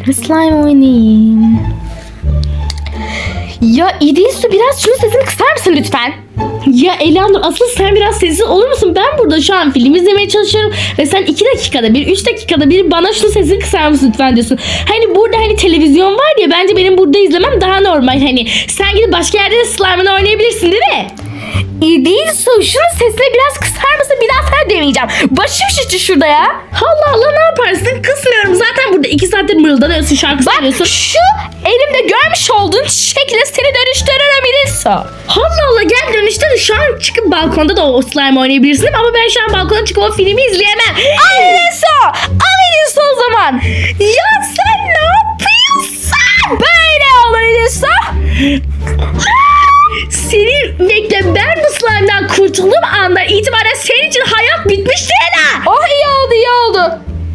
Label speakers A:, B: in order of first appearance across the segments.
A: Slime oynayayım. Ya İdilsu, biraz şunun sesini kısar mısın lütfen?
B: Ya Elanur, asıl sen biraz sessiz olur musun? Ben burada şu an film izlemeye çalışıyorum ve sen 2 dakikada bir, 3 dakikada bir bana şunun sesini kısar mısın lütfen diyorsun. Hani burada hani televizyon var ya, bence benim burada izlemem daha normal. Hani sen gidip başka yerde de slime'ını oynayabilirsin değil mi?
A: İdilsu, şunun sesini biraz kısar mısın? Bir daha sana demeyeceğim. Başım şişti şurada ya.
B: Allah Allah, ne yaparsın? Kısmıyorum. Zaten burada 2 saattir mırıldanıyorsun, şarkı söylüyorsun.
A: Şu elimde görmüş olduğun şekilde seni dönüştürürüm İdilsu.
B: Allah Allah, gel dönüşte şu an çıkıp balkonda da o slime oynayabilirsin ama ben şu an balkona çıkıp o filmi izleyemem.
A: Al İdilsu! Al İdilsu o zaman. Ya sen ne yapıyorsun? Böyle olur İdilsu.
B: Seni bekle, ben bu slime'dan kurtulduğum andan itibaren senin için hayat bitmiştir Ela.
A: Oh, iyi oldu, iyi oldu.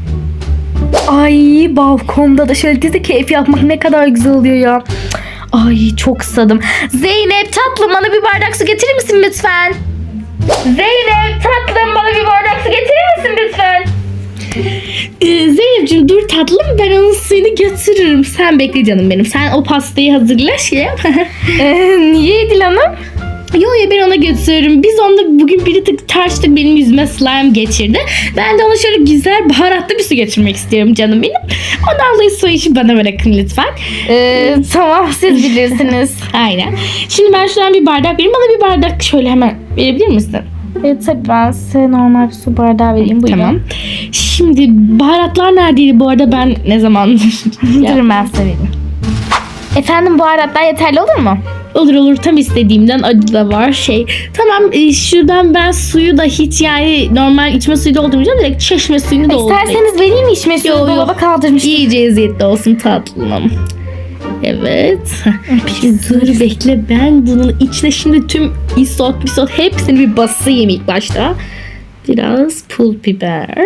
A: Ay, balkonda da şöyle dizi keyfi yapmak ne kadar güzel oluyor ya. Ay, çok susadım. Zeynep tatlım, bana bir bardak su getirir misin lütfen? Zeynep tatlım, bana bir bardak su getirir misin lütfen?
B: Zeynep'ciğim dur tatlım, ben onun suyunu götürürüm. Sen bekle canım benim. Sen o pastayı hazırla şey yap.
A: Niye Edil Hanım?
B: Yo ya, ben ona götürürüm. Biz onunla bugün bir tık tartıştık, benim yüzüme slime geçirdi. Ben de ona şöyle güzel baharatlı bir su getirmek istiyorum canım benim. Ondan dolayı su işi bana bırakın lütfen.
A: Tamam, siz bilirsiniz.
B: Aynen. Şimdi ben şuradan bir bardak vereyim. Bana bir bardak şöyle hemen verebilir misin?
A: Tabii, ben size normal bir su bardağı vereyim. Buyurun.
B: Tamam. Şimdi baharatlar neredeydi bu arada, ben ne zaman?
A: Durun, ben size vereyim. Efendim, baharatlar yeterli olur mu?
B: Olur, tam istediğimden, acı da var Tamam, şuradan ben suyu da hiç yani normal içme suyu doldurmayacağım, direkt çeşme suyunu doldurayım.
A: İsterseniz vereyim mi içme suyu?
B: Yo.
A: Dolaba kaldırmıştım.
B: İyice eziyetli olsun tatlım. Evet. Dur bekle, ben bunun içine şimdi tüm isot hepsini bir basayım ilk başta. Biraz pul biber.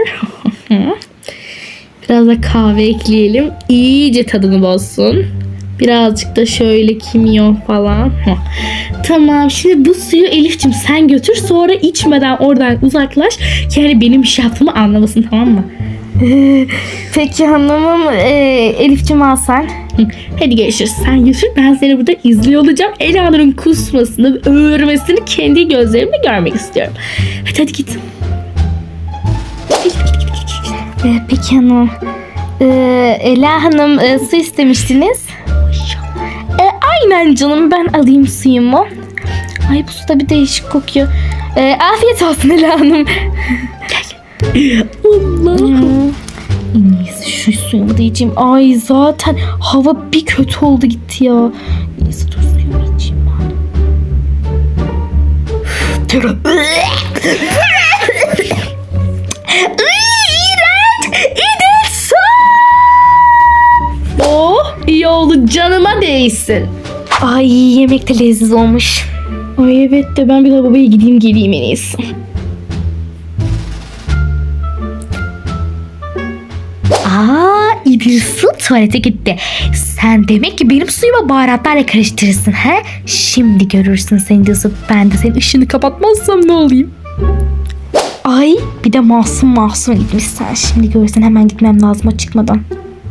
B: Biraz da kahve ekleyelim. İyice tadını bozsun. Birazcık da şöyle kimyon falan. Tamam, şimdi bu suyu Elif'cim sen götür, sonra içmeden oradan uzaklaş. Yani benim bir şey yaptığımı anlamasın, tamam mı?
A: Peki hanımım, Elif'cim al sen.
B: Hadi görüşürüz. Sen götür, ben seni burada izliyor olacağım. Elanur'un kusmasını, öğürmesini kendi gözlerimle görmek istiyorum. Hadi git.
A: Peki hanım. Ela Hanım, su istemiştiniz. Aynen canım, ben alayım suyumu. Ay, bu su da bir değişik kokuyor. Afiyet olsun Ela Hanım.
B: Allah'ım.
A: En iyisi şu suyumu da içeyim. Ay, zaten hava bir kötü oldu gitti ya. En iyisi dur suyumu içeyim ben.
B: Oh, iyi oldu, canıma değsin.
A: Ay, yemek de lezzetli olmuş.
B: Ay evet, de ben bir lavaboya gideyim geleyim en iyisi.
A: İdilsu tuvalete gitti. Sen demek ki benim suyuma baharatlarla karıştırırsın he? Şimdi görürsün sen İdilsu. Ben de senin ışığını kapatmazsam ne olayım? Ay, bir de masum gitmiş sen. Şimdi görürsen, hemen gitmem lazım o çıkmadan.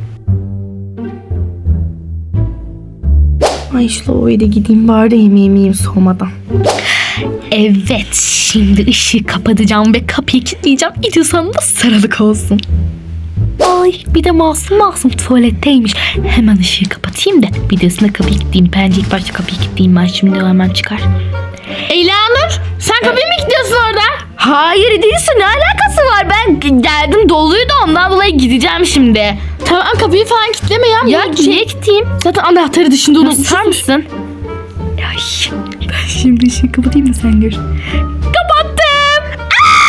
A: Ay, şu lavaboya da gideyim bari de yemeğimi yiyeyim soğumadan. Evet, şimdi ışığı kapatacağım ve kapıyı kilitleyeceğim. İdilsu Hanım da sarılık olsun. Ay, bir de masum tuvaletteymiş. Hemen ışığı kapatayım da bir de üstüne kapıyı kilitleyeyim. Bence ilk başta kapıyı kilitleyeyim, ben şimdi o hemen çıkar.
B: Elanur, sen kapıyı mı kilitliyorsun orada?
A: Hayır İdilsu, ne alakası var? Ben geldim, doluydu, ondan dolayı gideceğim şimdi.
B: Tamam, kapıyı falan kilitleme ya.
A: Ya niye gideyim?
B: Zaten anahtarı dışında
A: Tutar mısın?
B: Ay, ben şimdi ışığı kapatayım da sen gör. Kapattım.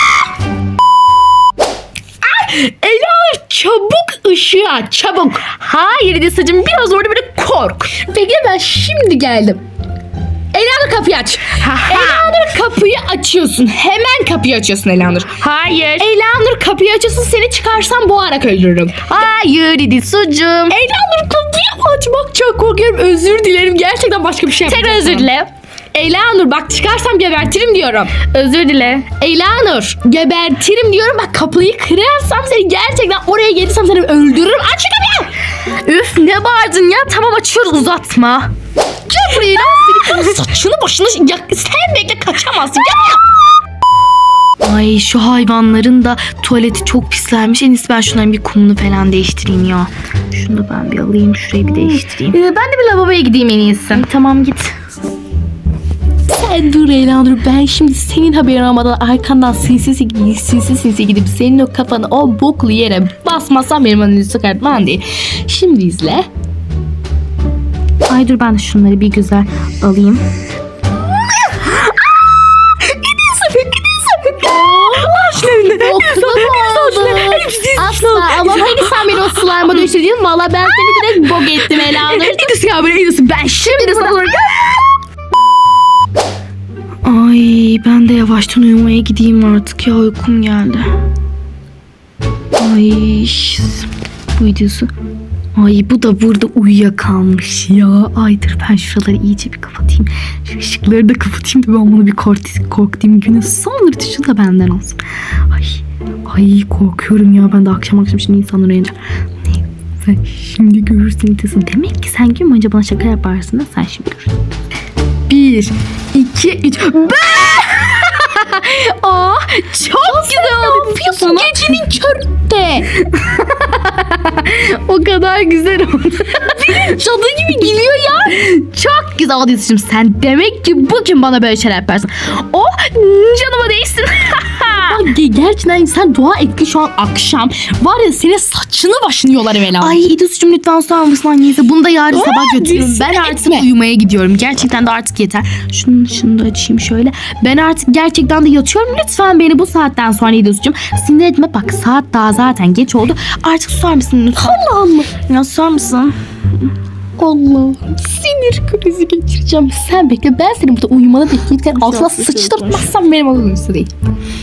B: Elanur, çabuk ışığı aç, çabuk.
A: Hayır İdilsu'cum, biraz orada böyle kork.
B: Bekle, ben şimdi geldim. Elanur, kapıyı aç. Elanur, kapıyı açıyorsun. Hemen kapıyı açıyorsun Elanur.
A: Hayır.
B: Elanur, kapıyı açıyorsun, seni çıkarsam boğarak öldürürüm.
A: Hayır İdilsu'cum.
B: Elanur, kapıyı açmak çok korkuyorum. Özür dilerim. Gerçekten başka bir şey yapacağım.
A: Tek özür dile.
B: Elanur, bak çıkarsam gebertirim diyorum.
A: Özür dile.
B: Elanur, gebertirim diyorum. Bak kapıyı kırarsam, seni gerçekten oraya gelirsem seni öldürürüm. Aç şu kapıyı.
A: Üf ne bağırdın ya? Tamam açıyoruz uzatma. Gel buraya lan seni. Saçını başını ya, sen bekle kaçamazsın. Gel. Ay şu hayvanların da tuvaleti çok pislenmiş. En iyisi ben şunların bir kumunu falan değiştireyim ya. Şunu da ben bir alayım. Şurayı bir değiştireyim. Ben de bir lavaboya gideyim en iyisi. Tamam git.
B: Sen dur Elanur, ben şimdi senin haberin olmadan arkandan sinsi gidip senin o kafanı o boklu yere basmazsam benim önünü çıkartman değil. Şimdi izle.
A: Ay dur ben de şunları bir güzel alayım.
B: Asla ama hani sen beni o slime'a düşürdün. Valla ben seni direkt bok ettim Elanur.
A: İdris ya böyle İdris'im ben şimdi sana sonra. Ay ben de yavaştan uyumaya gideyim artık ya uykum geldi. Ay bu İdris'i. Ay bu da burada uyuyakalmış ya. Ay dur ben şuraları iyice bir kapatayım. Şu ışıkları da kapatayım da ben bunu bir korkutayım. Günün son rütuşu da benden olsun. Ay korkuyorum ya ben de akşam şimdi insanlar uyanacak. Sen şimdi görürsün İdris'i. Demek ki sen gün boyunca bana şaka yaparsın da sen şimdi görürsün. 1, 2, 3. Aa, çok güzel oldu.
B: Yapıyorsun gecenin köründe.
A: O kadar güzel oldu. Cadı gibi geliyor ya. Çok güzel oldu Yusuf'cum. Sen demek ki bugün bana böyle şeyler yaparsın. Oh canıma değsin.
B: Gerçekten sen dua et ki şu an akşam var ya senin saçını başını yolarım Elanur.
A: Ay İdris'cum lütfen sorar mısın anneyse? Bunu da yarın sabah götürürüm. Ben artık uyumaya gidiyorum. Gerçekten de artık yeter. Şunu da açayım şöyle. Ben artık gerçekten de yatıyorum. Lütfen beni bu saatten sonra İdris'cum sinir etme. Bak saat daha zaten geç oldu. Artık susar mısın lütfen?
B: Allah Allah.
A: Ya susar mısın?
B: Allah. Sinir krizi geçireceğim. Sen bekle, ben seni burada uyumana bekleyip altına sıçtırtmazsam benim adım üstü değil.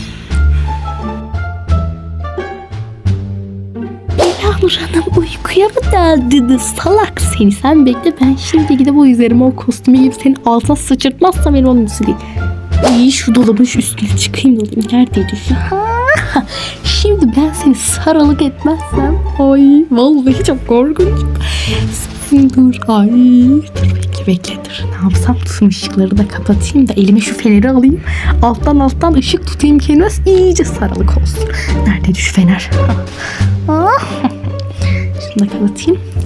B: Elanur Hanım uykuya mı daldınız? Salak seni. Sen bekle, ben şimdi gidip o üzerime o kostümü giyip senin altına sıçırtmazsam benim adım üstü değil. İyi şu dolabın şu üstüne çıkayım dedim. Neredeydi şu? Ha, şimdi ben seni sarılık etmezsem ay vallahi çok korkunç. Dur ay dur bekle dur. Ne yapsam tüm ışıkları da kapatayım da elime şu feneri alayım. Alttan ışık tutayım kendime iyice sarılık olsun. Neredeydi şu fener? Şunu da kapatayım.